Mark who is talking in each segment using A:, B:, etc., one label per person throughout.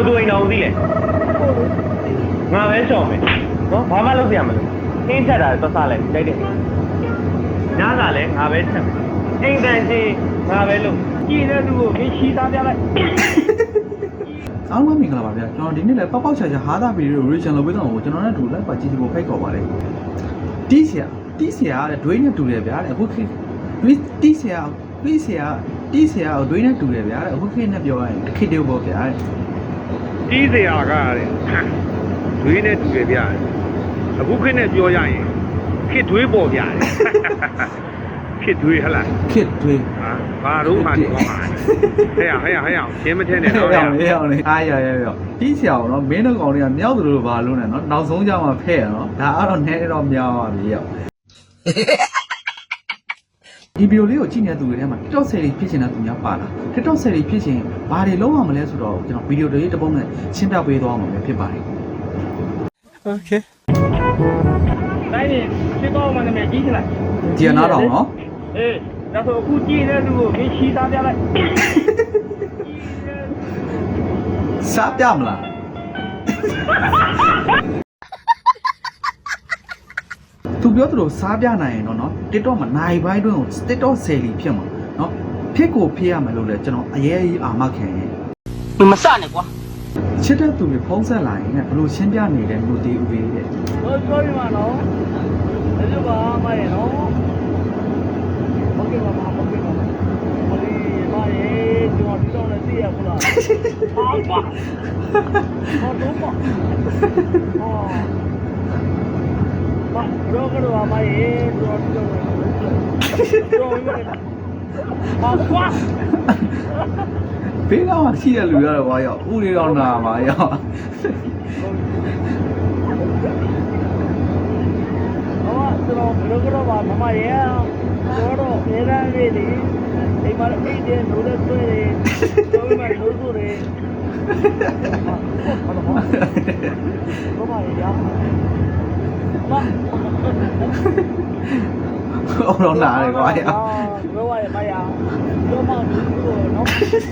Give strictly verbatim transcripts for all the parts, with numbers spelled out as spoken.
A: သူအိမ်တော်ဦးသိလဲငါပဲရှော်မယ်နော်ဘာမှလုပ်ပြရမလို့အင်းချက်တာသွားစားလိုက်တိုက်တယ်ညစာလဲငါပဲချက်မယ်အိမ်တန်ကြီးငါပဲလုပ်ကြည်တဲ့လူကိုမင်းချီသားပြလိုက်
B: အားလုံးမင်္ဂလာပါဗျာကျွန်တော်ဒီနေ့လည်းပောက်ပောက်ချာချာဟာတာဗီဒီယို reaction လုပ်ပေးတော့ကျွန်တော်နဲ့တူလိုက်ပါကြည့်ဖို့ဖိတ်ခေါ်ပါတယ်တီးဆရာတီးဆရာတဲ့ဒွေးနဲ့တူတယ်ဗျာတဲ့အခုခေတ်ဒွေးတီးဆရာဒွေးဆရာတီးဆရာဒွေးနဲ့တူတယ်ဗျာတဲ့အခုခေတ်နဲ့ပြောရရင်ခေတ်တေပေါ့ဗျာတဲ့
A: တီးဆရာကတဲ့ဒွေးနဲ့တူတယ်ဗျာအခုခေတ်နဲ့ပြောရရင်ခေတ်ဒွေးပေါ့ဗျာခေတ်ဒွေးဟလား
B: ခေတ်ဒွေး
A: ဟာဘာတော့မှဒီကောင်ပါဟဲ့ရဟဲ့ရဟဲ့ရရှင်းမထင်းနဲ့တော့
B: ရရရအားရရရတီးဆရာကတော့မင်းတို့ကောင်တွေကမြောက်သူတို့ဘာလို့လဲနော်နောက်ဆုံးကြမှာဖဲ့ရနော်ဒါကတော့နည်းတော့များပါပြီရောက်ဒီဗီဒီယိုလေးကိုကြည့်နေတဲ့သူတွေထဲမှာ TikTok ဆယ်ရီဖြစ်ချင်တဲ့သူများပါလား TikTok ဆယ်ရီဖြစ်ချင်ဘာတွေလုပ်ရမလဲဆိုတော့ကျွန်တော်ဗီဒီယိုလေးတစ်ပုံနဲ့ရှင်းပြပေးသွားမှာဖြစ်ပါတယ်
A: Okay တိုင်းနေရှင်းတော့မှလည်းကြီးချလိုက်
B: ကြည်နားတော့နော်
A: အေးဒါဆိုအခုကြည့်တဲ့လူကိုမင်းချီသားပြလိုက်
B: စားပြမလားသူပြောသလိုစားပြနိုင်ရင်တော့နော် TikTok မှာနိုင်ပိုင်းတွင်းကို TikTok ဆယ်လီဖြစ်မှာနော်ဖြစ်ကိုဖြစ်ရမယ်လို့လဲကျွန်တော်အရေးကြီးအာမခံရင်
C: မမစနဲ့ကွာ
B: ချစ်တဲ့သူတွေဖုံးဆက်လာရင်လည်းဘလို့ရှင်းပြနေတဲ့လူတီဦးလေးတဲ့
A: ဟော sorry မနော်ဒါကြောင့်ပါမရနော်ဟုတ်ကဲ့ပါပါဟုတ်ကဲ့ပါပါဒီမရေကျွန်တော်ဒီတော့လည်းသိရဘူးလားဟာပါဟောတော့ပါဟောမရောကတော့မရေကျွန်တော်ဒီတော့လည်းကျွန်တော်ရပါကွာ
B: ဘေးကတော့ရှိတဲ့လူရတော့ဘာရောက်ဥလေးတော့နာမှာရောက်
A: ဟောကျွန်တော်ဘယ်လိုကတော့ပါမမရေကျွန်တော်နေရမ်းလေးဒီအိမ်မှာအိမ်ထဲလို့လည်းတွေ့တယ်ကျွန်တော်မှလို့ဆိုတယ်ဟာဘာလို့ဘာရရမ
B: အော်တော့နာတယ်ကွာရောက်
A: ဘယ်ဝါရမရကျွန်မတို့နော်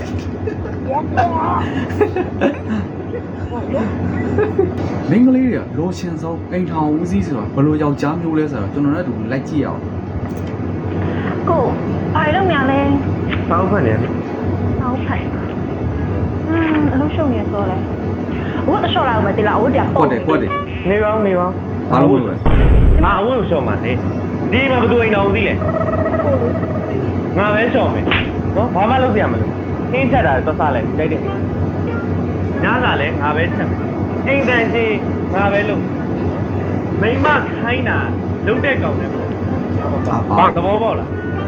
B: မင်းကလေးတွေကလိုချင်ဆုံးအိမ်ထောင်ဦးစီးဆိုတော့ဘယ်လိုယောက်ျားမျိုးလဲဆိုတော့ကျွန်တော်တို့လိုက်ကြည့်အောင်
D: ကိုဘာလို့များလဲ
A: ပေါင်းဖက်နေ
D: ပေါင်းဖက်อืมအလုပ်ရှုံနေဆိုလဲဝတ်ရှော့လာမယ်တိလားဝတ်တယ်
B: ဟုတ်တယ်ဟုတ်တယ်
A: နေပါဦးနေပါ
B: ဘာလို့လဲ
A: ငါအဝတ်ရှော့မှာနေဒီမှာဘယ်သူအိမ်တော်ဦးသိလဲငါပဲရှော့မယ်နော်ဘာမှလုပ်ပြရမလို့အင်းချက်တာသွားစားလိုက်တိုက်တယ်ညစာလဲငါပဲချက်မယ်အိမ်တန်ကြီးငါပဲလုပ်မိမခိုင်းတာလုပ်တဲ့ကောင်တယ်ပေါ့ဘာသဘောပေါက်လား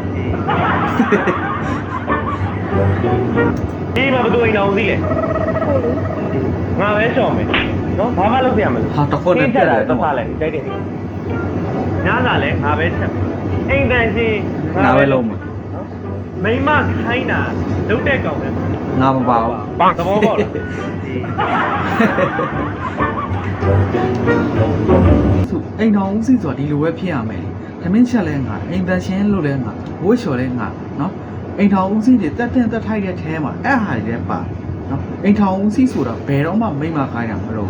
A: ဒီမှာဘယ်သူအိမ်တော်ဦးသိလဲငါပဲရှော့မယ်နော်ဘာမှလုပ်ပြရမလို့
B: ဟာတစ်ခွန်းနဲ့ပြတယ်
A: သွားစားလိုက်တိုက်တယ်ညစာလဲငါပဲချက်မယ်အိမ်တန်ကြီး
B: ငါပဲလုပ်မယ်
A: မိမခိုင်းတာလုပ်တဲ့ကောင်တယ်
B: ငါမပါဘူး
A: ဘာသဘောပေါက်လား
B: သူအိမ်တော်ဦးစီးဆိုတာဒီလိုပဲဖြစ်ရမယ်။သမင်းချက်လဲငါအိမ်တန်ရှင်းလို့လဲငါဝှေ့လျှော်လဲငါနော်အိမ်တော်ဦးစီးတွေတက်တင်တက်ထိုက်တဲ့ထဲမှာအဲ့ဟာတွေလည်းပါနော်အိမ်တော်ဦးစီးဆိုတာဘယ်တော့မှမိမခိုင်းတာမလို့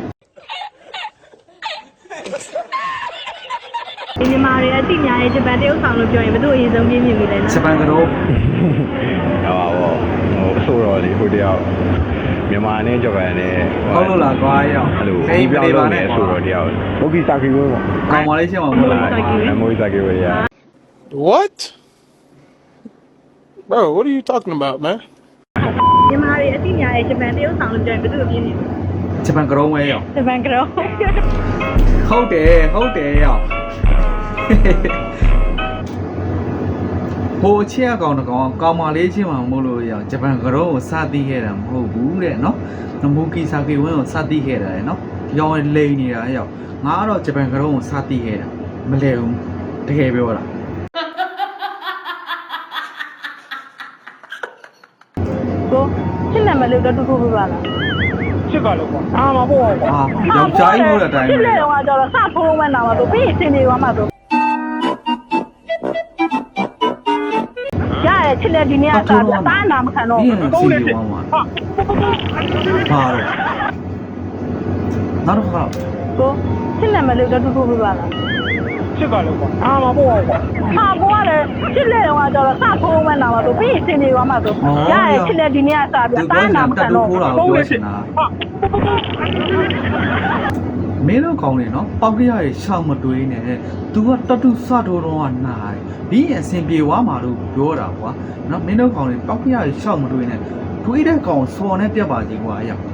D: ဒီညီမတွေအတိများရဲ့ဂျပန်တရုတ်ဆောင်လို့ပြောရင်ဘယ်သူအရင်ဆုံးပြင်းပြင်းပြီလဲနော်
B: ဂျပန်ကတော့
E: ဟောပါဘောဟိုဆိုတော့လေဟိုတယောက်မြန်မာနဲ့ဂျပန်နဲ့
B: ဟုတ်လို့လားကွာရောက်
E: အဲ့လိုဒီပြောင်းလို့နဲ့ဆိုတော့တယောက်မိုဘီစာကီဝဲပေါ့
B: ကောင်းပါလေရှင်းပါဘူးလား
E: မိုဘီစာကီဝဲရ
F: What Bro what are you talking about man
D: ညီမတွေအတိများရဲ့ဂျပန်တရုတ်ဆောင်လို့ပြောရင်ဘယ်သူပြင်းပြင်း
B: ဂျပန်ကတော့ဝဲရောက်
D: ဂျပန်ကတော့
B: ဟုတ်တယ်ဟုတ်တယ်ရောက်ဟိုချစ်ကောင်တကောင်ကောင်းမလေးချင်းမှမဟုတ်လို့ရဂျပန်ကတော့ကိုစသည်ခဲ့တာမဟုတ်ဘူးတဲ့နော်နမူကီစာကီဝင်းကိုစသည်ခဲ့တာလေနော်ဒီကောင်လိန်နေတာရောက်ငါကတော့ဂျပန်ကတော့ကိုစသည်ခဲ့တာမလဲဘူးတကယ်ပြောတာ
D: ကိုချစ်လက်မလို့တော့တူတူပြပါလား
A: ချစ်ကလို့ကွာအာမပေါ့ကွာ
B: အာယောက်ျားကြီးလို့တဲ့အတိုင်းပဲ
D: ချစ်လက်တော့ကတော့စဖုံးမဲ့နာမှာဆိုပြီးစင်နေသွားမှာဆိုရချစ်လက်ဒီနေ့ကစားပြတာနာမခံတော့
B: ဒီရင်စီပြေဝမ်းမှာဘာတော့နောက်တော့ခါ
D: ကိုချစ်လက်မလို့တော့တူတူပြပါလား
A: ချစ်ပါလို့ကွာအာမပေါ့ကွာ
D: ဟာကိုကလည်းချစ်လက်တော့ကတော့စဖုံးမှန်းလာမှာဆိုပြီးစင်နေသွားမှာဆိုရရဲ့ချစ်လက်ဒီနေ့ကစားပြတာနာမခံတော့
B: ထိုးတာကိုပြောချင်တာမင်းတို့ကောင်းနေနော်ပေါက်ကရရဲ့ရှောင်းမတွေးနဲ့ तू ကတတူစထိုးတော့ကနားတယ်ဒီအစင်ပြေဝါမှာလို့ပြောတာကွာနော်မင်းတို့ကောင်းနေပေါက်ကရရဲ့ရှောင်းမတွေးနဲ့တွေးတဲ့ကောင်စော်နဲ့ပြတ်ပါစီကွာအရာ